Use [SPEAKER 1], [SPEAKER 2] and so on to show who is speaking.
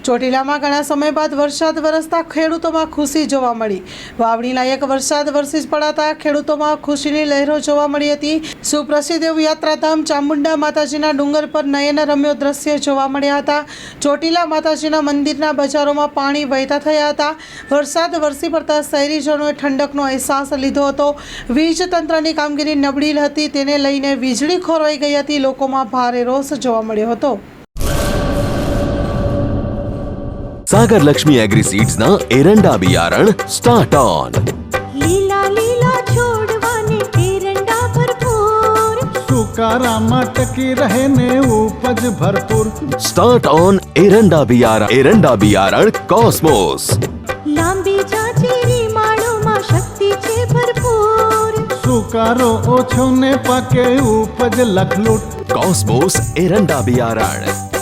[SPEAKER 1] ચોટીલામાં ઘણા સમય બાદ વરસાદ વરસતા ખેડૂતોમાં ખુશી જોવા મળી। વાવણી લાયક વરસાદ વરસી પડાતા ખેડૂતોમાં ખુશીની લહેરો જોવા મળી હતી। સુપ્રસિદ્ધ એવું યાત્રાધામ ચામુંડા માતાજીના ડુંગર પર નયનરમ્ય દ્રશ્ય જોવા મળ્યા હતા। ચોટીલા માતાજીના મંદિરના બજારોમાં પાણી વહેતા થયા હતા। વરસાદ વરસી પડતા શહેરીજનોએ ઠંડકનો અહેસાસ લીધો હતો। વીજ તંત્રની કામગીરી નબળી હતી, તેને લઈને વીજળી ખોરવાઈ ગઈ હતી। લોકોમાં ભારે રોષ જોવા મળ્યો હતો।
[SPEAKER 2] सागर लक्ष्मी एग्रीसीड्स ना एरंडा बियारण स्टार्ट ऑन।
[SPEAKER 3] લીલા લીલા છોડવાને એરંડા ભરપૂર,
[SPEAKER 4] સુકારામાં ટકી રહે ને ઉપજ ભરપૂર।
[SPEAKER 2] स्टार्ट ऑन एरंडा बियारण कॉस्मोस।
[SPEAKER 3] લાંબી જાચેરી માળોમાં શક્તિ છે ભરપૂર,
[SPEAKER 4] સુકારો ઓછો ને પાકે ઉપજ લખલૂટ।
[SPEAKER 2] कॉस्मोस एरंडा बियारण।